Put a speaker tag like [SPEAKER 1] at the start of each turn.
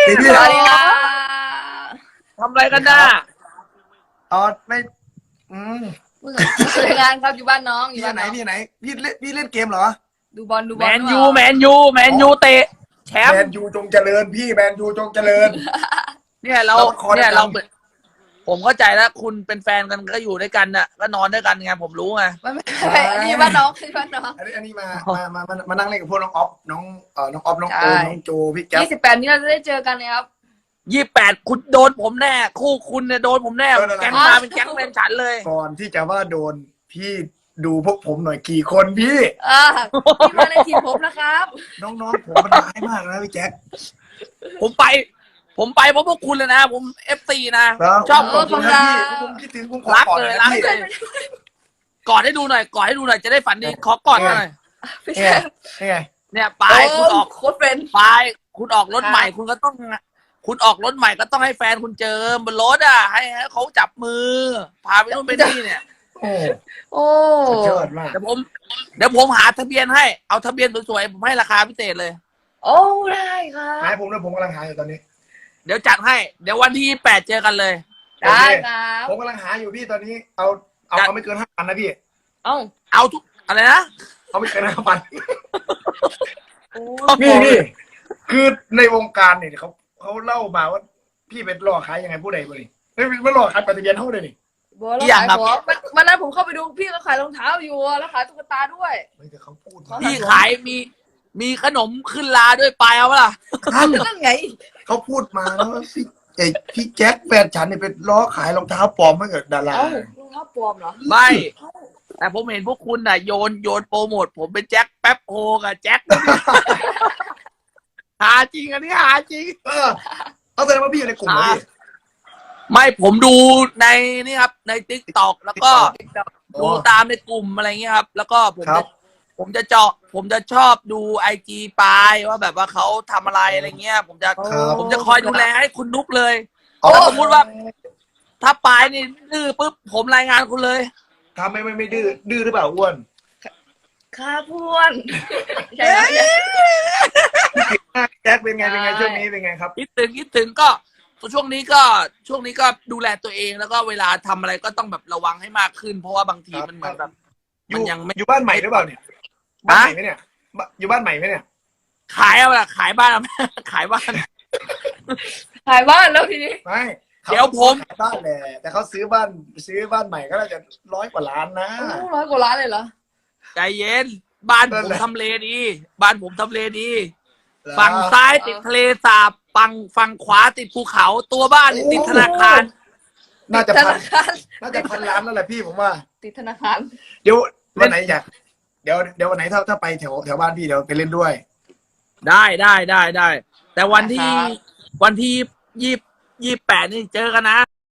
[SPEAKER 1] พี่
[SPEAKER 2] สวัสดีค่ะ
[SPEAKER 3] ทำอะไรกันน่ะ
[SPEAKER 1] อ๋อไม่
[SPEAKER 2] ผู้สื่องานครับอยู่บ้านน้องอยู่
[SPEAKER 1] พี่
[SPEAKER 2] บ้าน
[SPEAKER 1] ไหน
[SPEAKER 2] น้อง
[SPEAKER 1] พี่ไหนพี่เล่นเกมเหรอ
[SPEAKER 2] ดูบอลดูบ
[SPEAKER 3] แม
[SPEAKER 2] อล
[SPEAKER 3] นยูแมนยูเตะแช
[SPEAKER 1] แม
[SPEAKER 3] ม
[SPEAKER 1] น
[SPEAKER 3] ป์
[SPEAKER 1] ยูจงเจริญพี่แมนยูจงเจริญ
[SPEAKER 3] เนี่ยเรา
[SPEAKER 1] เราคอ
[SPEAKER 3] เนี่ย
[SPEAKER 1] ดัง
[SPEAKER 3] เราผมเข้าใจแล้วคุณเป็นแฟนกันก็อยู่ด้วยกันน่ะก็นอนด้วยกันไงผมรู้ไง
[SPEAKER 2] ไม่อันนี้บ้านน้องคือบ้านน้อง
[SPEAKER 1] อันนี้มานั่งเล่นกับพวกน้องออฟน้องน้องออฟน้องโอ
[SPEAKER 2] ใช่
[SPEAKER 1] น้องโจพี่แจ๊บ
[SPEAKER 2] 28นี้เราจะได้เจอกันเลยครับ
[SPEAKER 3] 28คุณโดนผมแน่คู่คุณเนี่ยโดนผมแน่แก๊งมาเป็นแก๊งแฟนฉันเลย
[SPEAKER 1] ก่อนที่จะว่าโดนพี่ดูพวกผมหน่อยกี่คนพี่
[SPEAKER 2] พี่มาในทีมผมนะครับ
[SPEAKER 1] น้องๆผมมันร้ายมากนะพี่แจ๊ค
[SPEAKER 3] ผมไปเพราะพวกคุณเลยนะ ผมFC นะ
[SPEAKER 1] แล้ว
[SPEAKER 3] ชอบ
[SPEAKER 1] ขอบคุณครับพี่ผมคิดถึงผมขอ
[SPEAKER 3] รัก
[SPEAKER 1] กอด
[SPEAKER 3] เลย
[SPEAKER 1] นะ
[SPEAKER 3] รัก
[SPEAKER 1] พี่
[SPEAKER 3] เลยกอดให้ดูหน่อยจะได้ฝันดีขอกอดหน่อย
[SPEAKER 2] พี่
[SPEAKER 1] นี่
[SPEAKER 2] แช
[SPEAKER 1] ไง
[SPEAKER 2] มป์
[SPEAKER 1] นี่ไง
[SPEAKER 3] เนี่ยไปคุณออก
[SPEAKER 2] โค้ชเป็น
[SPEAKER 3] ไปคุณออกรถใหม่คุณก็ต้อง คุณออกรถใหม่ก็ต้องให้แฟนคุณเจอบนรถอ่ะให้เขาจับมือ พาไปนู่นไปนี่เนี่ย
[SPEAKER 1] โอ้
[SPEAKER 2] โอ้
[SPEAKER 1] สุดยอดมาก
[SPEAKER 3] เดี๋ยวผมหาทะเบียนให้เอาทะเบียนสวยๆผมให้ราคาพิเศษเลย
[SPEAKER 2] โอ้ได้ครับ
[SPEAKER 1] หายผมด้วยผมกำลังหาอยู่ตอนนี้
[SPEAKER 3] เดี๋ยวจัดให้เดี๋ยววันที่8เจอกันเลย
[SPEAKER 2] ได้ครับ
[SPEAKER 1] ผมกำลังหาอยู่พี่ตอนนี้เอาไม่เกิน5,000นะพี่
[SPEAKER 2] เอ้า
[SPEAKER 3] เอาทุกอะไรนะ
[SPEAKER 1] เอาไม่เกิน5,000
[SPEAKER 2] โอ้
[SPEAKER 1] นี่คือในวงการเนี่ยเขาเล่ามาว่าพี่เป็นหลอกขายยังไงผู้ใดบ่นี่ไม่หลอกขายปฏิเบียนเท่าเลยนี่
[SPEAKER 2] บัวแล้วขายของวันนั้นผมเข้าไปดูพี่ก็ขายรองเท้าอยู่แล้วขายตุ๊กตาด้วย
[SPEAKER 1] ไม่แต่เขาพูด
[SPEAKER 3] พี่ขายมีขนมขึ้นลาด้วยไปเอาเปล่า
[SPEAKER 2] นั่นไง
[SPEAKER 1] เขาพูดมาแล้วว่าพี่แจ็คแฟนฉันเนี่ยเป็นล้อขายรองเท้าปลอมให้กับดารา
[SPEAKER 2] เอ้ารองเท้าปลอมเหรอ
[SPEAKER 3] ไม่ แต่ผมเห็นพวกคุณน่ะโยนโปรโมทผมเป็นแจ็คแป๊บโฮกับแจ็ค หาจริงอันนี้หาจริง
[SPEAKER 1] เอาแสดงว่าพี่อยู่ในกลุ่มเหรอพี่
[SPEAKER 3] ไม่ผมดูในนี่ครับในทิกตอกแล้วก็ดูตามในกลุ่มอะไรเงี้ยครับ แล้วก็ผมจะชอบดูIG ปายว่าแบบว่าเขาทำอะไรอะไรเงี้ย ผมจะคอยดูแลให้คุณนุกเลยถ้าสมมติว่า ถ้าปายนี่ดื้อปุ๊บผมรายงานคุณเลย
[SPEAKER 1] ทำไม่ดื้อหรือเปล่าอ้วน
[SPEAKER 2] ข้าพวนใช่ไหม
[SPEAKER 1] แจ็คเป็นไงช่วงนี้เป็นไงครับ
[SPEAKER 3] คิดถึงก็ช่วงนี้ก็ดูแลตัวเองแล้วก็เวลาทำอะไรก็ต้องแบบระวังให้มากขึ้น เพราะว่าบางทีมันเหมือนแบบมันยังไม่
[SPEAKER 1] อยู่บ้านใหม่หรือเปล่าเนี่ยบ้านใหม่ไหมเนี่ยอยู่บ้านใหม่ไหมเนี่ย
[SPEAKER 3] ขายเอาละขายบ้านเอา ขายบ้าน
[SPEAKER 2] ขายบ้านแล้วทีนี้
[SPEAKER 1] ไม่
[SPEAKER 3] เดี๋ยวผม
[SPEAKER 1] ขายบ้านแหละแต่เขาซื้อบ้านใหม่ก็น่าจะ100 กว่าล้านนะ
[SPEAKER 2] 100 กว่าล้านเลยเหรอ
[SPEAKER 3] ใจเย็นบ้านผมทำเลดีบ้านผมทำเลดี ฝั่งซ้ายติดทะเลสาบฝั่งขวาติดภูเขาตัวบ้านนี่ติดธนาคาร
[SPEAKER 1] น่าจะ
[SPEAKER 2] ธ
[SPEAKER 1] พัน
[SPEAKER 2] นาคาร
[SPEAKER 1] 1,000 ล้านแล้วแหละพี่ผมว่า
[SPEAKER 2] ติดธนาคาร
[SPEAKER 1] เดี๋ยววันไหนอยากเดี๋ยววันไหนถ้าไปแถวบ้านพี่เดี๋ยวไปเล่นด้วย
[SPEAKER 3] ได้ แต่วันที่28นี่เจอกันนะ